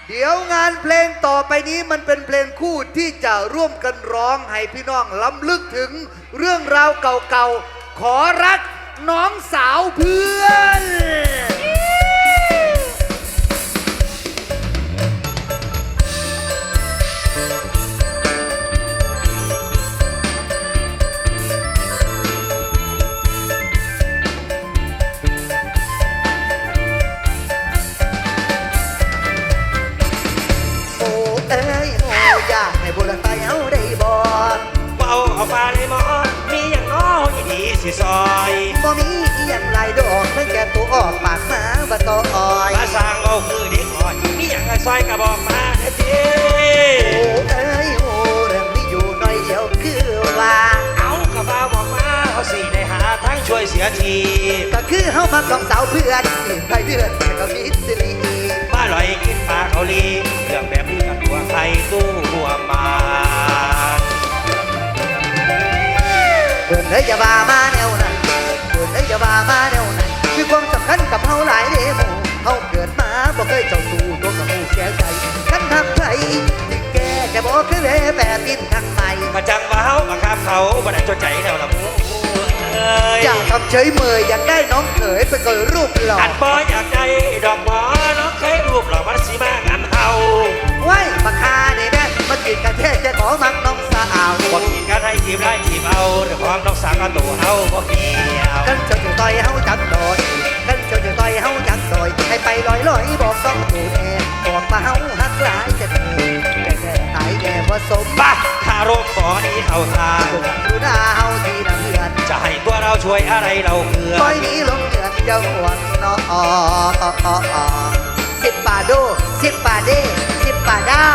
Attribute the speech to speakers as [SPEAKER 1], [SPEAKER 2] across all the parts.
[SPEAKER 1] เดี๋ยวงานเพลงต่อไปนี้มันเป็นเพลงคู่ที่จะร่วมกันร้องให้พี่น้องล้ำลึกถึงเรื่องราวเก่าๆขอรักน้องสาวเพื่อนอยากให้บุรุษไปเอาได้บ่
[SPEAKER 2] เบาเอาปลาเลยหมอมีอย่างน้อยดีสิซอย
[SPEAKER 1] บ่มีอย่างไรดอกเมื่อแก่ตัวออกปากมาบ่ต่ออ้อย
[SPEAKER 2] มาสร้างเอาคือเด็กอ่อยมีอย่างซอยกระบอกมาเด้อจี
[SPEAKER 1] เรื่องนี้อยู่น้อยเดียวคือว่า
[SPEAKER 2] เอากระเป๋าบอกมาเขาสิได้หาทั้งช่วยเสียที
[SPEAKER 1] ก็คือเฮามาของสาวเพื่อนใครเดือนก็มิตรี
[SPEAKER 2] ป้าลอยกินปลาเกาหลีเรื่องแบบนี้กับตัวใครตู้หัวมา
[SPEAKER 1] เดินเลยอย่าบ้ามาแนวนั้นเดินเลยอย่าบ้ามาแนวนั้นมีความสำคัญกับเฮาหลายเดโมเฮาเกิดมาบ่เคยเจ้าสู่ตัวกับผู้แก่ใจคันทำใครที่แก่แกบอกคือเวแปดดินทางใหม่
[SPEAKER 2] มาจังว่าเฮาบังคับเขาบ่ได้จดใจแล้วล่ะมู
[SPEAKER 1] อยากทำเฉยเมยอยากได้น้องเขยไปเกิดรูปหล่อ
[SPEAKER 2] อันบ่อยากได้ดอกหมอน้องเคยรูปหล่อมันสิมางานเฮา
[SPEAKER 1] ไว้มาคาได้แม่มากินกันแท้จะขอมักน้องสาว
[SPEAKER 2] บ่กินกันให้จีบได้จีบเอาเรื่องของน้องสาวกับตัวเฮาบ่เกี่ยว
[SPEAKER 1] กันเจ้าอยู่ต่อยเฮาจักดอยกันเจ้าอยู่ต่อยเฮาจักซอยให้ไปลอยบอกต้องดูแน่บอกมาเฮาฮักหลายจะแก่ตายแก่ผสม
[SPEAKER 2] บ้าคารมขอนี้เข้าทาง
[SPEAKER 1] ดูหน้าเฮาที่น้ำเลือด
[SPEAKER 2] จะให้ตัวเราช่วยอะไรเราเพื่อ
[SPEAKER 1] ปล่อยนี้ลงเดือนจะห่วงน้อง10 บาทโด10 บาทเด้10 บาทด้า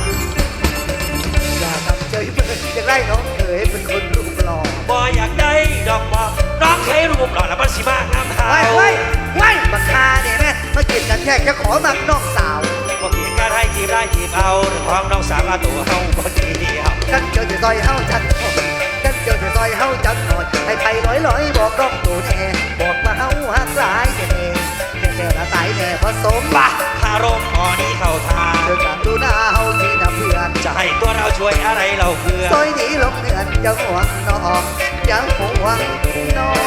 [SPEAKER 1] อย่าทำเฉยเมยอยากได้น้องเขยเป็นคนรูปหล่อ
[SPEAKER 2] บ่อยากได้ดอกบอกน้องเคยรูปหล่อแล้วมันสิมางามเฮา
[SPEAKER 1] ไว้มาคาเนี่ยแม่มากินกันแค่จะขอมักน้องสาว
[SPEAKER 2] บ่กินกันให้จีบได้จีบเอาเรื่องของน้องสาวกับตัวเฮาบ่เกี่ยว
[SPEAKER 1] กันเจ้าจะซอยเฮาจัดกันเจ้าจะซอยเฮาจัดหน่อยให้ไปลอยบอกน้องตัวแน่บอกมาเฮาฮักหลายแน่ละตายแน่ผสม
[SPEAKER 2] บ้าคารมขอนี้เข้าทาง
[SPEAKER 1] เจอกันดูหน้าเฮาที่น้ำเพื่อน
[SPEAKER 2] จะให้ตัวเราช่วยอะไรเราเพื่อ
[SPEAKER 1] ซอยนี้ลงเดือนยังห่วงน้องยังห่วงน้อง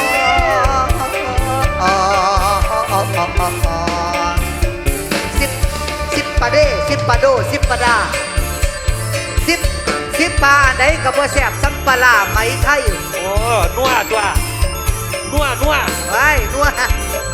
[SPEAKER 1] 10 ปาเด้10 ปาโด10 ปาดา10ปาไหนกับว่าแสบสัมปลาไหมไทย
[SPEAKER 2] โอ้นัวตัวนัว
[SPEAKER 1] ไว้นัว